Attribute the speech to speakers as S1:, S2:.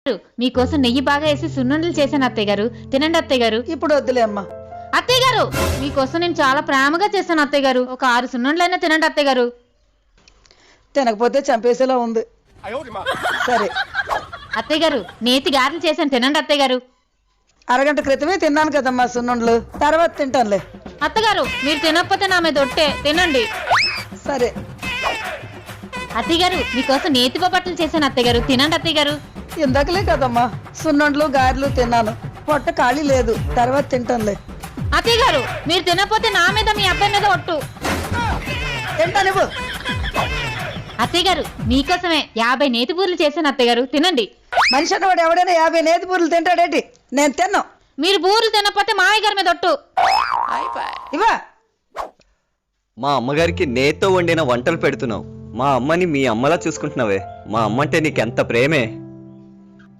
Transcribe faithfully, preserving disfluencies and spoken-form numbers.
S1: మీకోసం నెయ్యి బాగా వేసి సున్నుండలు చేశాను అత్తయ్య గారు, తినండి అత్తయ్య గారు.
S2: ఇప్పుడు వద్దులే అమ్మా.
S1: అత్తయ్య గారు మీకోసం నేను చాలా ప్రేమగా చేశాను అత్తయ్య గారు, ఒక ఆరు సున్నుండలైనా తినండి అత్తయ్య గారు.
S2: తినకపోతే చంపేసేలా ఉంది. సరే
S1: అత్తయ్య గారు నేతి గారెలు చేశాను, తినండి అత్తయ్య గారు.
S2: అరగంట క్రితమే తిన్నాను కదమ్మా సున్నుండలు, తర్వాత తింటానులే.
S1: అత్తగారు మీరు తినకపోతే నా మీద ఒట్టే, తినండి.
S2: సరే
S1: అత్తయ్య గారు మీకోసం నేతి బొబ్బట్లు చేశాను అత్తయ్య గారు, తినండి అత్తయ్య గారు.
S2: ఇందాకలే కదమ్మా సున్నుండలు గారెలు తిన్నాను, పొట్ట ఖాళీ లేదు, తర్వాత తింటానులే.
S1: అత్తయ్య గారు మీరు తినకపోతే నా మీద మీ అబ్బాయి మీద ఒట్టు.
S2: తింటానివ్వు.
S1: అత్తయ్య గారు మీకోసమే యాభై నేతి బూరెలు చేశాను అత్తయ్య గారు, తినండి.
S2: మనిషి అన్నవాడు ఎవడైనా యాభై నేతి బూరెలు తింటాడేంటి? నేను తిన్నాను.
S1: మీరు బూరెలు తినకపోతే మావయ్య గారి మీద ఒట్టు.
S2: ఇవా
S3: మా అమ్మగారికి నేతో వండిన వంటలు పెడుతున్నావు. మా అమ్మని మీ అమ్మలా చూసుకుంటున్నావే. మా అమ్మంటే నీకెంత ప్రేమే.